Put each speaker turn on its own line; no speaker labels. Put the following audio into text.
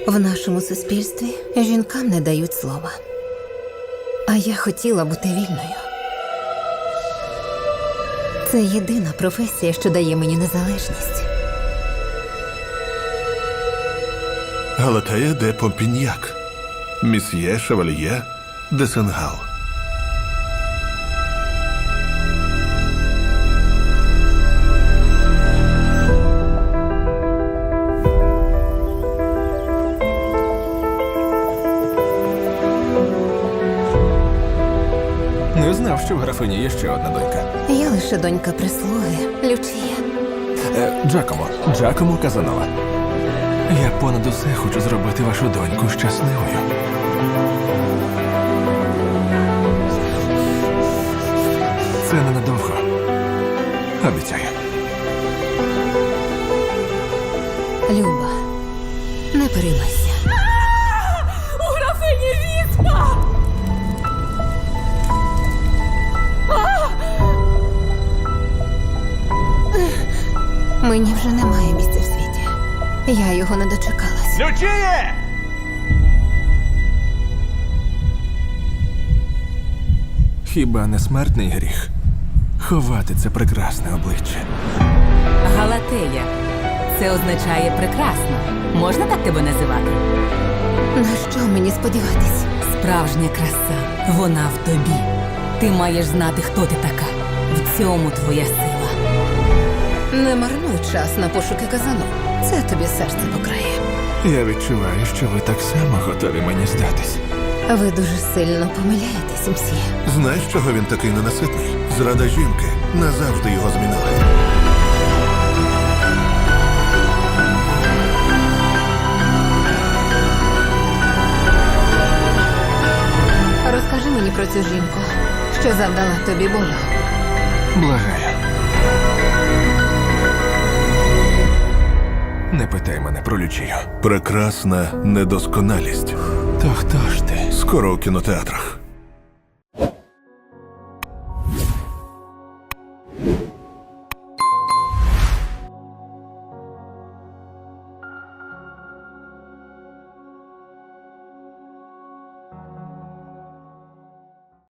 В нашому суспільстві жінкам не дають слова. А я хотіла бути вільною. Це єдина професія, що дає мені незалежність.
Галатея де Помпіньяк. Місьє Шевальє де Сенгал.
Не знав, що в графині є ще одна донька.
Я лише донька прислуги, Лючія.
Джакомо Казанова. Я понад усе хочу зробити вашу доньку щасливою. Це ненадовго. Обіцяю.
Люба, не переймайся.
У графині віспа!
Мені вже немає місця в світі. Я його не дочекалась.
Лючіє! Хіба не смертний гріх ховати це прекрасне обличчя?
Галатея. Це означає прекрасно. Можна так тебе називати?
На що мені сподіватись?
Справжня краса. Вона в тобі. Ти маєш знати, хто ти така. В цьому твоя сила.
Не марнуй час на пошуки казану. Це тобі серце покрає.
Я відчуваю, що ви так само готові мені здатись.
Ви дуже сильно помиляєтесь, мсьє.
Знаєш, чого він такий ненаситний? Зрада жінки назавжди його змінила.
Розкажи мені про цю жінку, що завдала тобі болю.
Благаю. Не питай мене про Лючію.
Прекрасна недосконалість.
То хто ж ти?
Скоро у кінотеатрах.